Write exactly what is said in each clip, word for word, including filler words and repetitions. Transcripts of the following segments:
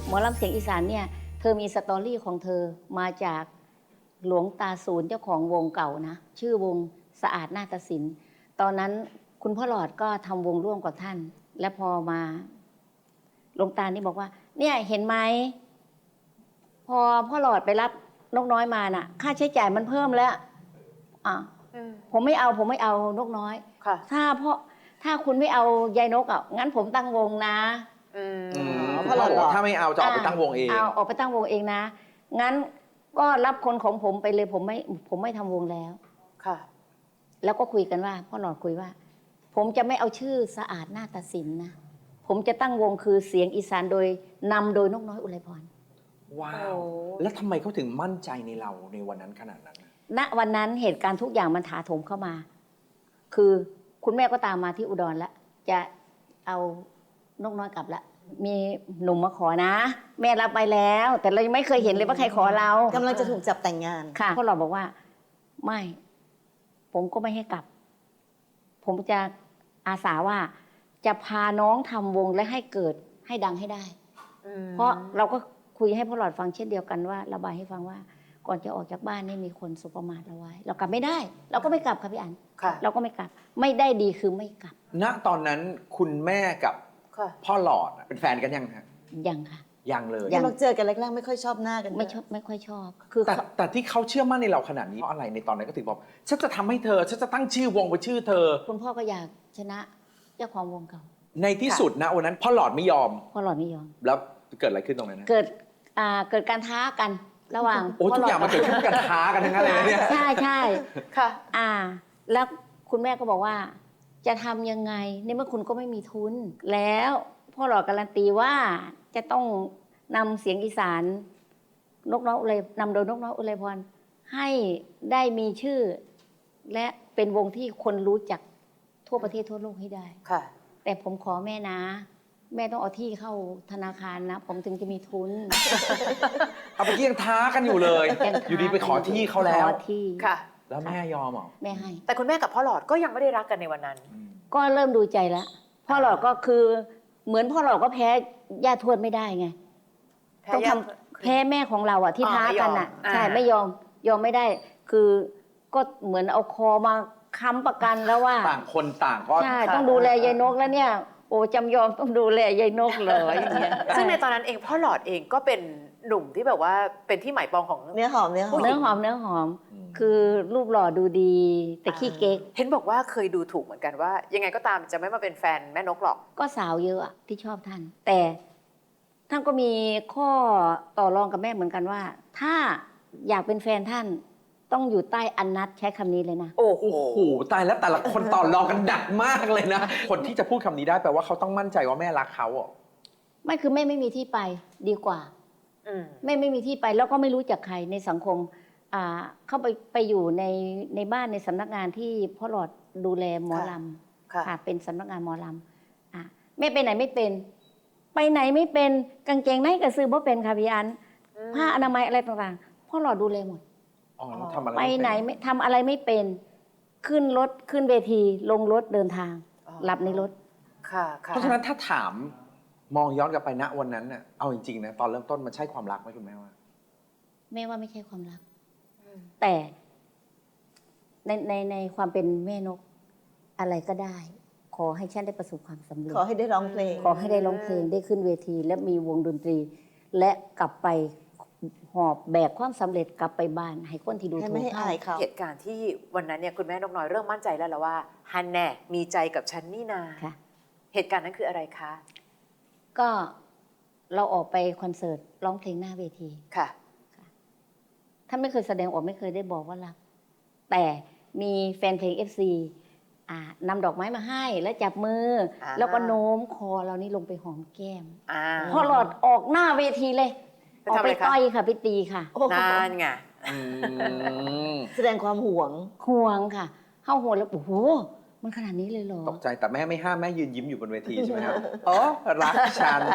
หมอลำเสียงอีสานเนี่ยเธอมีสตอรี่ของเธอมาจากหลวงตาศูนย์เจ้าของวงเก่านะชื่อวงสะอาดนาฏศิลป์ตอนนั้นคุณพ่อหลอดก็ทำวงร่วมกับท่านและพอมาหลวงตานี่บอกว่าเนี่ยเห็นไหมพอพ่อหลอดไปรับนกน้อยมาน่ะค่าใช้จ่ายมันเพิ่มแล้วอ่ะผมไม่เอาผมไม่เอานกน้อยถ้าพ่อถ้าคุณไม่เอายายนกอ่ะงั้นผมตั้งวงนะพ่อหลอดบอกถ้าไม่เอาจะออกไปตั้งวงเองเอาออกไปตั้งวงเองนะงั้นก็รับคนของผมไปเลยผมไม่ผมไม่ทำวงแล้วค่ะแล้วก็คุยกันว่าพ่อหลอดคุยว่าผมจะไม่เอาชื่อสะอาดนาฏศิลป์นะผมจะตั้งวงคือเสียงอีสานโดยนำโดยนกน้อยอุไรพรว้าวแล้วทำไมเขาถึงมั่นใจในเราในวันนั้นขนาดนั้นณวันนั้นเหตุการณ์ทุกอย่างมันถาโถมเข้ามาคือคุณแม่ก็ตามมาที่อุดรแล้วจะเอานกน้อยกลับแล้วมีหนุ่มมาขอนะแม่รับไปแล้วแต่เรายังไม่เคยเห็นเลยว่าใครขอเรากำลังจะถูกจับแต่งงานค่ะพวกเราบอกว่าไม่ผมก็ไม่ให้กลับผมจะอาสาว่าจะพาน้องทำวงและให้เกิดให้ดังให้ได้เพราะเราก็คุยให้พ่อหลอดฟังเช่นเดียวกันว่าระบายให้ฟังว่าก่อนจะออกจากบ้านนี่มีคนสุประมาทเราไว้เรากลับไม่ได้เราก็ไม่กลับค่ะพี่อั๋นเราก็ไม่กลับไม่ได้ดีคือไม่กลับณตอนนั้นคุณแม่กับพ่อหลอดเป็นแฟนกันยังฮะยังค่ะยังเลยยังเจอกันแรกๆไม่ค่อยชอบหน้ากันไม่ชอบไม่ค่อยชอบคือแต่แต่ที่เขาเชื่อมั่นในเราขนาดนี้เพราะอะไรในตอนนั้นก็ถึงบอกฉันจะทำให้เธอฉันจะตั้งชื่อวงเป็นชื่อเธอคุณพ่อก็อยากชนะเจ้าของวงเก่าในที่สุดนะวันนั้นพ่อหลอดไม่ยอมพ่อหลอดไม่ยอมแล้วเกิดอะไรขึ้นตรงนั้นเกิดอ่าเกิดการท้ากันระหว่างโอ้ทุกอย่างมันเกิดขึ้นการท้ากันทั้งนั้นเลยเนี่ยใช่ใช่ค่ะอ่าแล้วคุณแม่ก็บอกว่าจะทำยังไงในเมื่อคุณก็ไม่มีทุนแล้วพ่อหลอดการันตีว่าจะต้องนำเสียงอีสานนกน้อยอุไรนำโดยนกน้อยอุไรพรให้ได้มีชื่อและเป็นวงที่คนรู้จักทั่วประเทศทั่วโลกให้ได้ค่ะแต่ผมขอแม่นะแม่ต้องเอาที่เข้าธนาคารนะผมถึงจะมีทุนเอาไปยังท้ากันอยู่เลยอยู่ดีไปขอที่เขาแล้วขอที่ค่ะแล้วแม่ยอมเหรอแม่ให้แต่คุณแม่กับพ่อหลอดก็ยังไม่ได้รักกันในวันนั้นก็เริ่มดูใจแล้วพ่อหลอดก็คือเหมือนพ่อหลอดก็แพ้ย่าทวดไม่ได้ไงต้องทำแพ้แม่ของเราอ่ะที่ท้ากันอ่ะใช่ไม่ยอมยอมไม่ได้คือก็เหมือนเอาคอมาค้ำประกันแล้วว่าต่างคนต่างก็ใช่ต้องดูแลยายนกแล้วเนี่ยโอ้จำยอมต้องดูแลยายนกเลยอย่างเงี้ยซึ่งในตอนนั้นเองพ่อหลอดเองก็เป็นหนุ่มที่แบบว่าเป็นที่หมายปองของเนื้อหอมเนื้อหอมเนื้อหอมเนื้อหอมคือรูปหล่อดูดีแต่ขี้เก๊กเห็นบอกว่าเคยดูถูกเหมือนกันว่ายังไงก็ตามจะไม่มาเป็นแฟนแม่นกหรอกก็สาวเยอะที่ชอบท่านแต่ท่านก็มีข้อต่อรองกับแม่เหมือนกันว่าถ้าอยากเป็นแฟนท่านต้องอยู่ใต้อันนัดใช้คำนี้เลยนะโอ้โหตายแล้วแต่ละคนต่อรองกันดักมากเลยนะคนที่จะพูดคำนี้ได้แปลว่าเขาต้องมั่นใจว่าแม่รักเขาอ่ะไม่คือแม่ไม่มีที่ไปดีกว่าแม่ไม่มีที่ไปแล้วก็ไม่รู้จักใครในสังคมเข้าไปไปอยู่ในในบ้านในสำนักงานที่พ่อหลอดดูแลหมอลำค่ะเป็นสำนักงานหมอลำแม่ไปไหนไม่เป็นไปไหนไม่เป็นกางเกงไหนก็ซื้อบ่เป็นค่ะพี่อันผ้าอนามัยอะไรต่างๆพ่อหลอดดูแลหมดไปไหนไม่ทำอะไรไม่เป็นขึ้นรถขึ้นเวทีลงรถเดินทางหลับในรถค่ะเพราะฉะนั้นถ้าถามมองย้อนกลับไปณวันนั้นน่ะเอาจริงๆนะตอนเริ่มต้นมันใช่ความรักไหมคุณแม่ว่าแม่ว่าไม่ใช่ความรักแต่ในในในความเป็นแม่นกอะไรก็ได้ขอให้ฉันได้ประสบความสำเร็จขอให้ได้ร้องเพลงขอให้ได้ร้องเพลงได้ขึ้นเวทีและมีวงดนตรีและกลับไปหอบแบกความสำเร็จกลับไปบ้านให้คนที่ดูถูกเขาเหตุการณ์ที่วันนั้นเนี่ยคุณแม่นกน้อยเริ่มมั่นใจแล้วละว่าฮันแน่มีใจกับฉันนี่นาเหตุการณ์นั้นคืออะไรคะก็เราออกไปคอนเสิร์ตร้องเพลงหน้าเวทีค่ะท่านไม่เคยแสดงออกไม่เคยได้บอกว่ารักแต่มีแฟนเพลง เอฟ ซีนำดอกไม้มาให้แล้วจับมือแล้วก็โน้มคอเรานี่ลงไปหอมแก้มพอหลอดออกหน้าเวทีเลยออกไปต่อยค่ะไปตีค่ะนั่นไงแสดงความห่วงห่วงค่ะเข้าห่วงแล้วโอ้โหมันขนาดนี้เลยเหรอตกใจแต่แม่ไม่ห้ามแม่ยืนยิ้มอยู่บนเวทีใช่ไหมครับอ๋อรักฉัน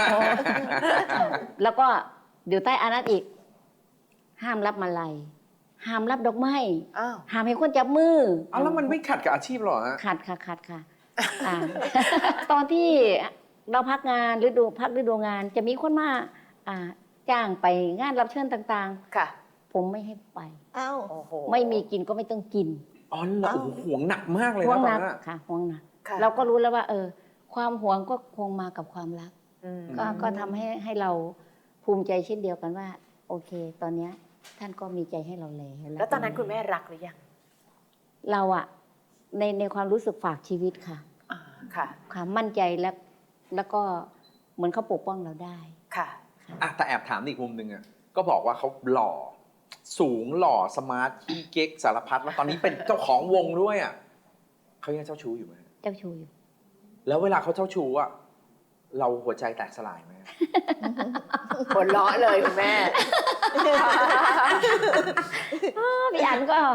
แล้วก็อยู่ใต้อานัตอีกห้ามรับมาลัยห้ามรับดอกไม้ห้ามให้คนจับมือเอาแล้วมันไม่ขัดกับอาชีพหรอฮะขัดค่ะขัดค่ะตอนที่เราพักงานฤดูพักฤดูงานจะมีคนมาอ่าจ้างไปงานรับเชิญต่างค่ะๆ ผมไม่ให้ไปอ้าวโอ้โหไม่มีกินก็ไม่ต้องกินอ๋อเหรอโอ้โหห่วงหนักมากเลยห่วนะงตอหนนักนั้นอะค่ะห่วงหนักค่ะเราก็รู้แล้วว่า เออ ความห่วงก็คงมากับความรักอืมก็ก็ทำให้ให้เราภูมิใจเช่นเดียวกันว่า โอเค ตอนเนี้ยท่านก็มีใจให้เราแล้วแล้วตอนนั้นคุณแม่รักหรือยังเราอะในในความรู้สึกฝากชีวิตค่ะอ่าค่ะความมั่นใจและแล้วก็เหมือนเขาปกป้องเราได้ค่ะอ่ะแต่แอบถามอีกมุมหนึ่งอ่ะก็บอกว่าเขาหล่อ สูงหล่อสมาร์ทขี้เก๊กสารพัดแล้วตอนนี้เป็นเจ้าของวงด้วยอ่ะเขายังเจ้าชู้อยู่ไหมเจ้าชูอยู่แล้วเวลาเขาเจ้าชู้อ่ะเราหัวใจแตกสลายไหมหัวเราะเลยคุณแม่พี่อันก็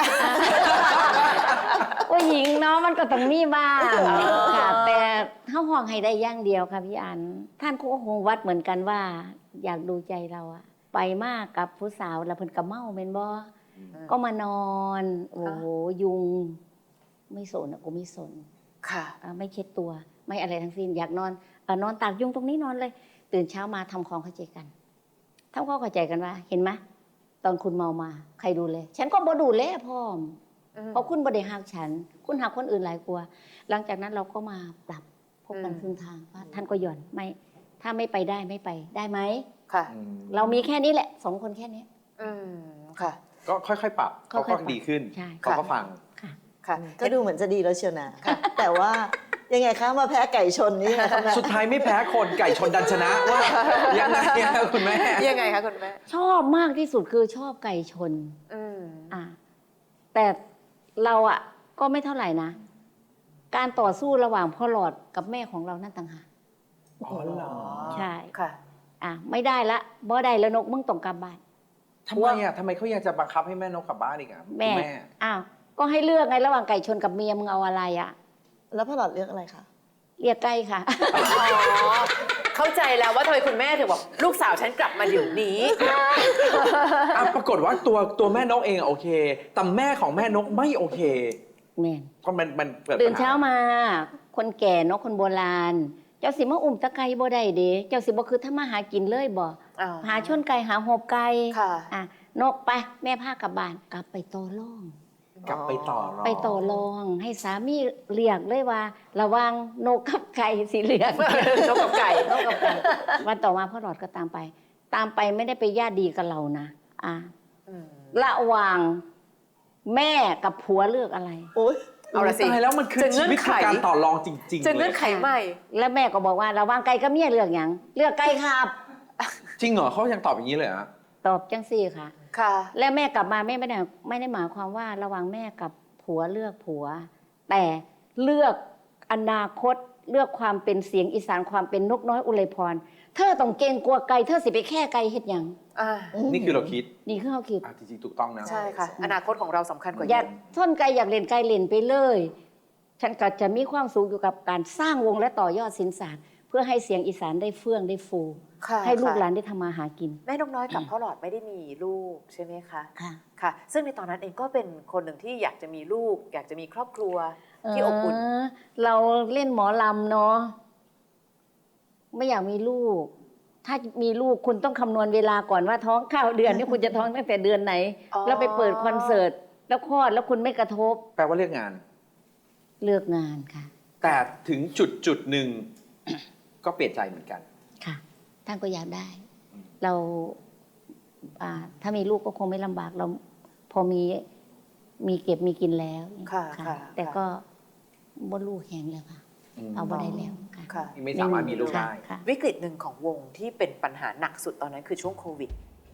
ผู้หญิงเนาะมันก็ต้องมีบ้างค่ะ แต่เท่าห้องให้ได้อย่างเดียวค่ะพี่อัน ท่านก็คงวัดเหมือนกันว่า อยากดูใจเราอะไปมากกับผู้สาวแล้วเพิ่นก็เมาเมนบ่ก็มานอน โอ้โหยุง ไม่สนอะกูไม่สนค่ะอ่าไม่เช็ดตัว ไม่อะไรทั้งสิ้นอยากนอนเออนอนตากยุงตรงนี้นอนเลย ตื่นเช้ามาทำความเข้าใจกันทำความเข้าใจกันว่า เห็นไหมตอนคุณเมามา ใครดูแลฉันก็บ่ดูแลพ่อมอืมเพราะคุณบ่ได้หักฉัน คุณหักคนอื่นหลายกว่าหลังจากนั้นเราก็มาปรับพบกันอืมครึ่งทางว่าท่านก็หย่อนไม่ ถ้าไม่ไปได้ไม่ไปได้ไหมค่ะอืมเรามีแค่นี้แหละสองคนแค่นี้อืมค่ะก็ค่อยๆปรับค่เขาอยๆก็ปรับดีขึ้นใช่เขาก็ฟังค่ะค่ะก็ดูเหมือนจะดีแล้วเชียวนะ แต่ว่ายังไงคะมาแพ้ไก่ชนนี่นะคะแม่สุดท้ายไม่แพ้คนไก่ชนดันชนะว่ายังไงอะคุณแม่ยังไงคะคุณแม่ชอบมากที่สุดคือชอบไก่ชนอืมอ่ะแต่เราอ่ะก็ไม่เท่าไหร่นะ การต่อสู้ระหว่างพ่อหลอดกับแม่ของเรานั่นต่างหากอ๋อเหรอใช่ค่ะอ่ะไม่ได้ละบ่ได้แล้วนกมึงต้องกลับบ้านทำไมอ่ะทำไมเขายังจะบังคับให้แม่นกกลับบ้านอีกอ่ะแม่คุณแม่อ้าวก็ให้เลือกไงระหว่างไก่ชนกับเมียมึงเอาอะไรอ่ะแล้วพ่อหลอดเลือกอะไรคะเรียกไก่ค่ะอ๋อ เข้าใจแล้วว่าทำไมคุณแม่ถึงบอกลูกสาวฉันกลับมาเดี๋ยวนี้อ่ะปรากฏว่าตัวตัวแม่นกเองอะโอเค แต่แม่ของแม่นกไม่โอเคแม่นเพราะมันมันเกิดตื่นปัญหเช้ามา คนแก่เนกคนโบราณ เจ้าสิมาอุ้มตะไคร้บ่ได้เด้เจ้าสิบ่คือถ้ามาหากินเลยบ่อ่าหาชนไก่หาหอบไก่ค่ะอ่ะนกไปแม่พากลับบ้านกลับไปต่อร่องกลับไปต่อรองไปต่อรองให้สามีเรียกเลยว่า ระวังนกกับไก่สีเหลืองนกกับไก่นกกับไก่วันต่อมาพ่อหลอดก็ตามไป ตามไปไม่ได้ไปญาติดีกับเรานะอ่ะอืมระหว่างแม่กับผัวเลือกอะไรโอ๊ยเอาละสิตายแล้วมันคือจะเงื่ชีอนวิตไขคือการต่อรองจริงๆจะเลเงื่อย นไขใหม่แล้วแม่ก็บอกว่าระหว่างไก่กับเมียเลือกอย่างเลือกไก่ครับจริงเหรอเขายังตอบอย่างนี้เลยเหรอตอบจังสี่ค่ะค่ะแล้วแม่กลับมาแม่ไม่ได้ไม่ได้หมายความว่าระหว่างแม่กับผัวเลือกผัว แต่เลือกอนาคตเลือกความเป็นเสียงอีสานความเป็นนกน้อยอุไรพร เธอต้องเก่งกลัวไก่เธอสิไปแค่ไก่เฮ็ดหยังอ่านี่คือเราคิดนี่คือเขาคิดอ่ะจริงๆถูกต้องนะใช่ค่ะ อนาคตของเราสำคัญกว่าอยากเยอะท่นไก่อยากเล่นไก่เล่นไปเลย ฉันก็จะมีความสุขอยู่กับการสร้างวงและต่อยอดศิลปศาสตร์เพื่อให้เสียงอีสานได้เฟื่องได้ฟูค่ะให้ลูกหลานค่ะได้ทำมาหากินแม่นกน้อยกับพ่อหลอดไม่ได้มีลูกใช่ไหมคะค่ะค่ะ ซึ่งในตอนนั้นเองก็เป็นคนหนึ่งที่อยากจะมีลูก อยากจะมีครอบครัวที่อบอุ่นเเราเล่นหมอลำเนาะไม่อยากมีลูก ถ้ามีลูกคุณต้องคำนวณเวลาก่อนว่าท้องเก้าเดือนนี่คุณจะท้องตั้งแต่เดือนไหนอ๋อแล้วไปเปิดคอนเสิร์ตแล้วคลอดแล้วคุณไม่กระทบแปลว่าเลือกงานเลือกงานค่ะแต่ถึงจุดจุดหนึ่ง ก็เปลี่ยนใจเหมือนกันค่ะท่านก็อยากได้อืมเราอ่าถ้ามีลูกก็คงไม่ลำบากเรา พอมีมีเก็บมีกินแล้วค่ะค่ะแต่ก็บ่ลูกแหงแล้วค่ะ เอาบ่ได้แล้วค่ะค่ะไม่สามารถมีลูกได้ค่ะวิกฤตหนึ่งของวงที่เป็นปัญหาหนักสุดตอนนั้นคือช่วงโควิด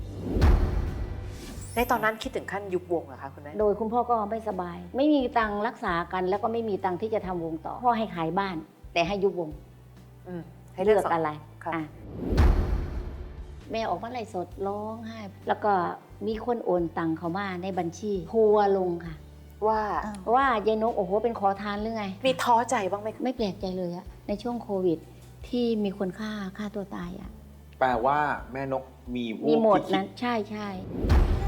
ในตอนนั้นคิดถึงขั้นยุบวงเหรอคะคุณแม่โดยคุณพ่อก็ไม่สบาย ไม่มีตังค์รักษากัน แล้วก็ไม่มีตังค์ที่จะทำวงต่อ พ่อให้ขายบ้าน แต่ให้ยุบวงอืมให้เลือกสงอะไรค่ะอ่ะแม่ออกมาไล่สดร้องไห้แล้วก็มีคนโอนตังค์เขามาในบัญชีทัวร์ลงค่ะว่าอ้าวว่ายายนกโอ้โหเป็นขอทานหรือไงมีท้อใจบ้างไหมคะไม่แปลกใจเลยอะในช่วงโควิด ที่มีคนฆ่าฆ่าตัวตายอะแปลว่าแม่นกมีวูมีบหมดที่คินั้นใช่ใช่ด